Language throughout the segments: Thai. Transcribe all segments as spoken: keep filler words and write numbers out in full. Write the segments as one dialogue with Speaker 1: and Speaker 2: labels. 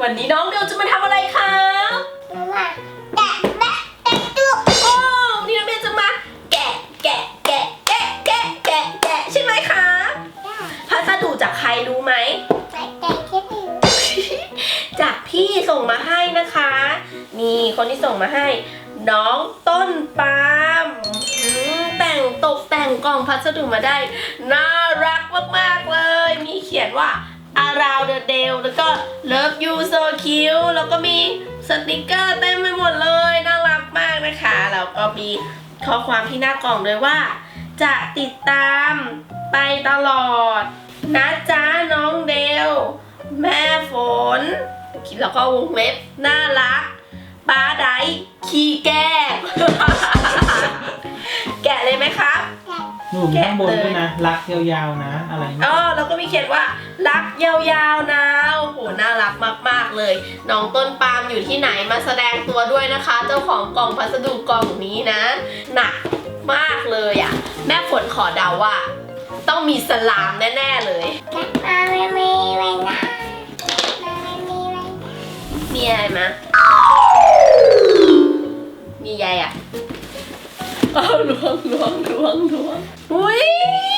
Speaker 1: วันนี้น้องเดลจะมาทำอะไรครับ
Speaker 2: มาแกะแกะแกะตัว
Speaker 1: โอ้นี่น้องเดลจะมาแกะแกะแกะแกะแกะแกะแกะใช่ไหมคะพัสดุจากใครรู้ไหม
Speaker 2: แกะแกะแค่นี้
Speaker 1: จากพี่ส่งมาให้นะคะนี่คนที่ส่งมาให้น้องต้นปาล์มแต่งตกแต่งกล่องพัสดุมาได้น่ารักมากๆเลยมีเขียนว่า around the day แล้วก็ love you so cute แล้วก็มีสติกเกอร์เต็มไปหมดเลยน่ารักมากนะคะแล้วก็มีข้อความที่หน้ากล่องเลยว่าจะติดตามไปตลอดนะจ๊ะน้องเดลแม่ฝนแล้วก็วงเล็บน่ารักป้าไดขี้แก้แกะเลยไหมครับ
Speaker 3: หนูมีข้างบนด้วยนะรักยาวๆนะอะไร
Speaker 1: อ๋อแล้วก็มีเขียนว่ารักยาวๆนะโอ้โหน่ารักมากๆเลยน้องต้นปาล์มอยู่ที่ไหนมาแสดงตัวด้วยนะคะเจ้าของกล่องพัสดุกล่องนี้นะหนักมากเลยอ่ะแม่ฝนขอเดาว่าต้องมีสลามแน่ๆเลย
Speaker 2: มาไม่มีไว้นะมาไม่มีไว้นะ
Speaker 1: มีอะไรมามีใยอ่ะเอาล้วงล้วงล้วงล้วงอุ้ย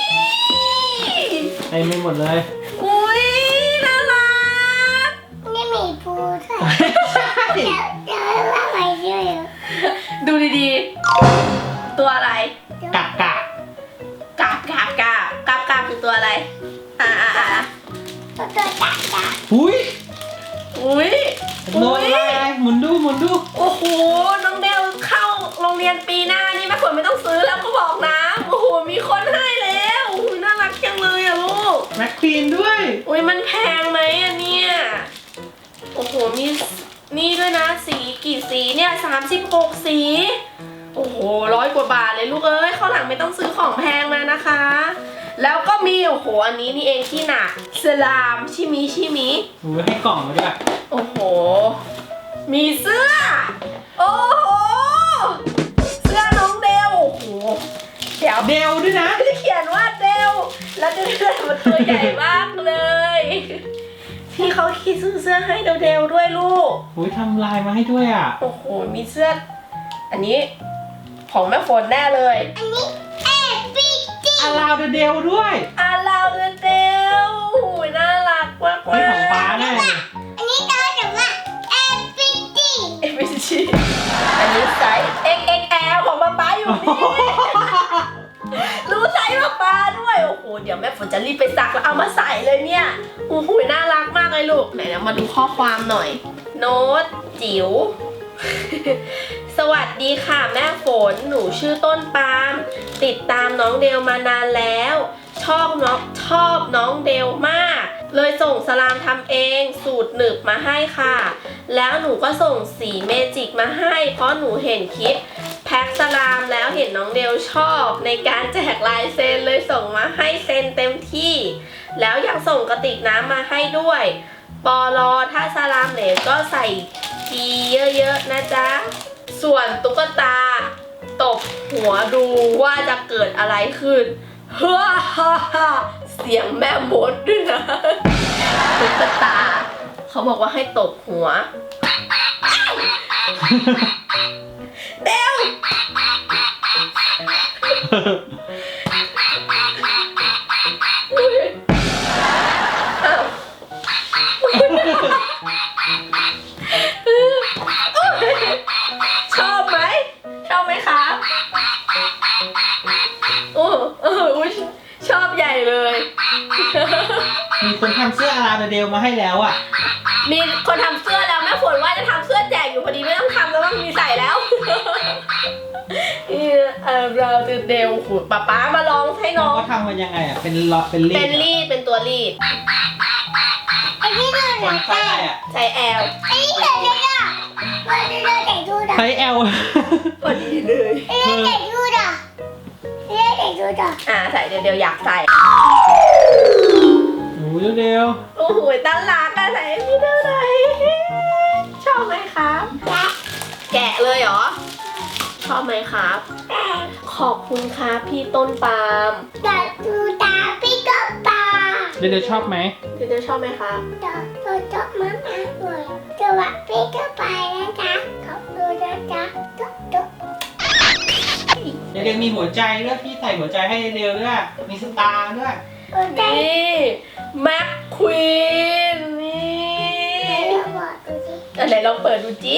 Speaker 3: ไอ้ไม่หมดเลย
Speaker 1: อุ้ยน่ารัก
Speaker 2: นี่มีปูด้วยเดี๋ยวเดี๋ยวว่าอะไรด้วย
Speaker 1: ดูดีๆตัวอะไร
Speaker 3: กาบกาบ
Speaker 1: กาบกาบกาบกาบกาบคือตัวอะไรอ่าอ่าอ่า
Speaker 2: ตัวตัวกาบกาบ
Speaker 3: อุ้ย
Speaker 1: อุ้ย
Speaker 3: โดนอะไรหมุนดูหมุนดู
Speaker 1: โอ้โหน้องเดลเข้าโรงเรียนปีหน้านี่แม่ฝนไม่ต้องซื้อแล้วก็บอกนะโอ้โหมีคนให้แล้วโอ้โหน่ารักจังเลยอะลูก
Speaker 3: แม็กควีนด้วย
Speaker 1: อุ้ยมันแพงไหมอะเนี่ยโอ้โหมีนี่ด้วยนะสีกี่สีเนี่ยสามสิบหกสีโอ้โหร้อยกว่าบาทเลยลูกเอ้ยข้าวหลังไม่ต้องซื้อของแพงมานะคะแล้วก็มีโอ้โหอันนี้นี่เองที่หนักสลามชิมิชิมิ
Speaker 3: โอ้ยให้กล่องมาด้วย
Speaker 1: โอ้โหมีเสื้อโอ้โหเสื้อน้องเดลโอ้โหเดี๋ยว
Speaker 3: เดลด้วยนะ
Speaker 1: จะเขียนว่าเดลแล้วจะเดลมันตัวใหญ่มากเลยที่เขาคิดซื้อเสื้อให้เดลเดลด้วยลูก
Speaker 3: โอ้ยทำลายมาให้ด้วยอ่ะ
Speaker 1: โอ้โหมีเสื้ออันนี้ของแม่ฝนแน่เลย
Speaker 2: อันนี้เอฟิจี
Speaker 3: อาราเดเดลด้วย
Speaker 1: อาราเดเดลโอ้ยน่ารักมาก
Speaker 3: เลยของป้าแน่
Speaker 2: อันนี้ตัวถึงว่าเอฟิจี
Speaker 1: เอฟิจีอันนี้ไซส์ เอ็กซ์ เอ็กซ์ แอล ของป้าป้าอยู่นี่รู้ไซส์ป้าป้าด้วยโอ้โหเดี๋ยวแม่ฝนจะรีบไปซักแล้วเอามาใส่เลยเนี่ยโอ้โหน่ารักมากเลยลูกไหนเรามาดูข้อความหน่อยโน้ตจิ๋วสวัสดีค่ะแม่ฝนหนูชื่อต้นปาล์มติดตามน้องเดลมานานแล้วชอบน้องชอบน้องเดลมากเลยส่งสลามทำเองสูตรหนึบมาให้ค่ะแล้วหนูก็ส่งสีเมจิกมาให้เพราะหนูเห็นคลิปแพ็คสลามแล้วเห็นน้องเดลชอบในการแจกลายเซ็นเลยส่งมาให้เซ็นเต็มที่แล้วอยากส่งกระติกน้ำมาให้ด้วยปอลอถ้าสลามเหลวก็ใส่กีเยอะๆนะจ๊ะส่วนตุ๊กตาตบหัวดูว่าจะเกิดอะไรขึ้นเฮ้อฮ่าฮ่าเสียงแม่มดด้วยนะตุ๊กตาเขาบอกว่าให้ตบหัวเดวชอบไหมชอบไหมคะโอ้เออชอบใหญ่เลย
Speaker 3: มีคนทำเสื้ออาราเดลมาให้แล้วอ่ะ
Speaker 1: มีคนทำเสื้อแล้วแม่ฝนว่าจะทำเสื้อแจกอยู่พอดีไม่ต้องทำแล้วมันมีใส่แล้วนี่อาราเดลขุดป๊าป๊ามาลองให้น้อง
Speaker 3: เขาทำมายังไงอ่ะเป็นลอเป็นรีด
Speaker 1: เป็นรีดเป็นตัวรีด
Speaker 2: ไอ้ที่ดูหนังใส่
Speaker 1: ใส่แอล
Speaker 2: ไอ้ที่เด็กเด็กอ่ะวันนี้เราแต่งดูด่ะ
Speaker 3: ใส่แอล
Speaker 1: พอดีเลย
Speaker 2: ไอ้ที่แต่งดูด่ะไอ้ที่แต่งดูด่ะ
Speaker 1: อ่าใส่เดี๋ยวเดี๋ยวอยากใส่
Speaker 3: โอ้ยเดียว
Speaker 1: โอ้โหตั้งรักอะใส่พี่เท่าไหร่ชอบไหมครับแกะเลยเหรอชอบไหมครับขอบคุณครับพี่ต้นปาล์ม
Speaker 2: อยากดูตาพี่ต้นปาล์ม
Speaker 3: เดี๋ยวชอบไหม
Speaker 1: เดี๋ยวชอบไหมครับ
Speaker 2: เดี๋ยวชอบมากๆเลยอ่ะพี่ก็ไปนะจ๊ะขอบดูนะจ๊ะตุ๊กตุ๊ก
Speaker 3: เดลมีหัวใจด้วยพี่ใส่หัวใจให้เดลด้วยมีสตาร์ด้วย
Speaker 2: โอ้ใจ
Speaker 1: นี่แม็กควีนนี่
Speaker 2: เราบอกดูสิ
Speaker 1: อะไรลองเปิดดูจิ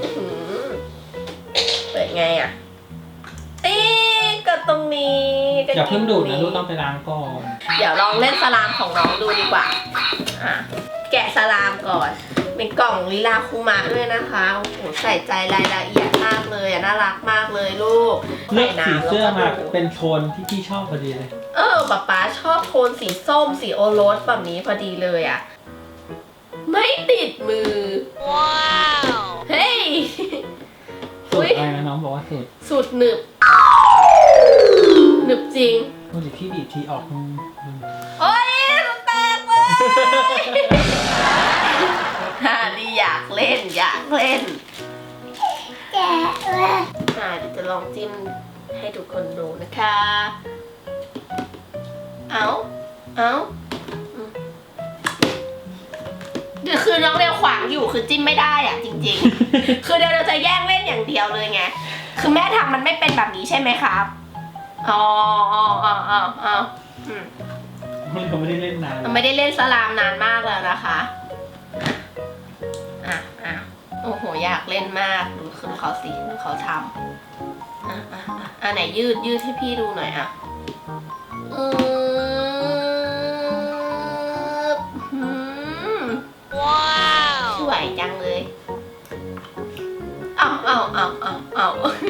Speaker 1: เปิดไงอ่ะเอ๊ะก็ตรงนี้ก็
Speaker 3: อย่าเพิ่งดูดนะ
Speaker 1: ตร
Speaker 3: ลูกต้องไปล้างก่อน
Speaker 1: เดี๋ยวลองเล่นสลามของน้องดูดีกว่าอ่ะแกะสลามก่อนเป็นกล่องลิลาคุมะด้วยนะคะโอ้โหใส่ใจรายละเอียดมากเลยอ่ะน่ารักมากเลยลูก
Speaker 3: เลือกสีเสื้อมา
Speaker 1: ใส่น้ำแล้วก็ดู
Speaker 3: เป็นโทนที่พี่ชอบพอดีเลย
Speaker 1: เออป๊าป๊าชอบโทนสีส้มสีโอรสแบบนี้พอดีเลยอ่ะ ไม่ติดมือ ว้าว เฮ้ย
Speaker 3: สุดอะไรนะน้องบอกว่าสุด
Speaker 1: สุดหนึบ หนึบจริง
Speaker 3: โอ้ยพี่บีบทีออกอืม
Speaker 1: โอ้ยมันแตกเลยฮ่าดีอยากเล่นอยากเล่น
Speaker 2: แกะเลย
Speaker 1: อ่าเดี๋ยวจะลองจิ้มให้ทุกคนดูนะคะ เอาเอาอืมเดี๋ยวคือน้องเดวขวางอยู่คือจิ้มไม่ได้อ่ะจริงๆ คือเดวเราจะแย่งเล่นอย่างเดียวเลยไง คือแม่ทำมันไม่เป็นแบบนี้ใช่ไหมครับ อ๋ออ๋ออ๋ออ๋ออ๋ออืม
Speaker 3: เราไม่ได้เล่นนาน
Speaker 1: มันไม่ได้เล่นสลามนานมากแล้วนะคะ อ่ะอ่ะโอ้โห อยากเล่นมาก ดูคือเขาสิดูเขาทำอ่ะอ่ะอ่ะอ่ะไหนยืดยืดให้พี่ดูหน่อยอ่ะอืมอืมว้าวสวยจังเลยเอาเอาเอาเอาเอา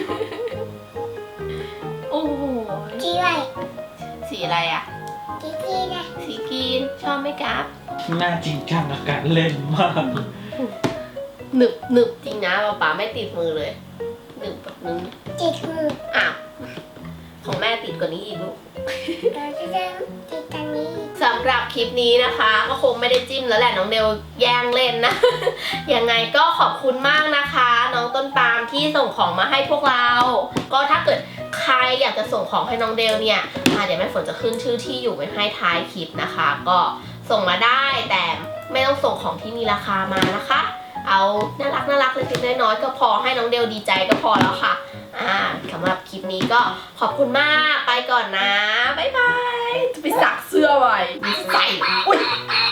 Speaker 1: โอ้โห
Speaker 2: จีไร
Speaker 1: สีอะไรอ่ะ
Speaker 2: จีจีนะ
Speaker 1: สีกรีนชอบไหมครับ
Speaker 3: น่าจริงจังกับการเล่นมาก
Speaker 1: หนึบหนึบจริงนะป๊าป๊าไม่ติดมือเลยหนึบแบบนึง
Speaker 2: จีมือ
Speaker 1: อ้าวของแม่ติดกว่านี้อีกลูก
Speaker 2: เราจะเริ่มจีตรงนี้
Speaker 1: สำหรับคลิปนี้นะคะ ก็คงไม่ได้จิ้มแล้วแหละน้องเดลแย่งเล่นนะ ยังไงก็ขอบคุณมากนะคะ น้องต้นปาล์มที่ส่งของมาให้พวกเรา ก็ถ้าเกิดใครอยากจะส่งของให้น้องเดลเนี่ยอ่ะเดี๋ยวแม่ฝนจะขึ้นชื่อที่อยู่ไว้ให้ท้ายคลิปนะคะ ก็ส่งมาได้แต่ไม่ต้องส่งของที่มีราคามานะคะ เอาน่ารักน่ารักเล็กๆน้อยๆก็พอให้น้องเดลดีใจก็พอแล้วค่ะ อ่าสำหรับคลิปนี้ก็ขอบคุณมากไปก่อนนะ บ๊ายบาย จะไปสักเสื้อไว้ใส่อุ้ย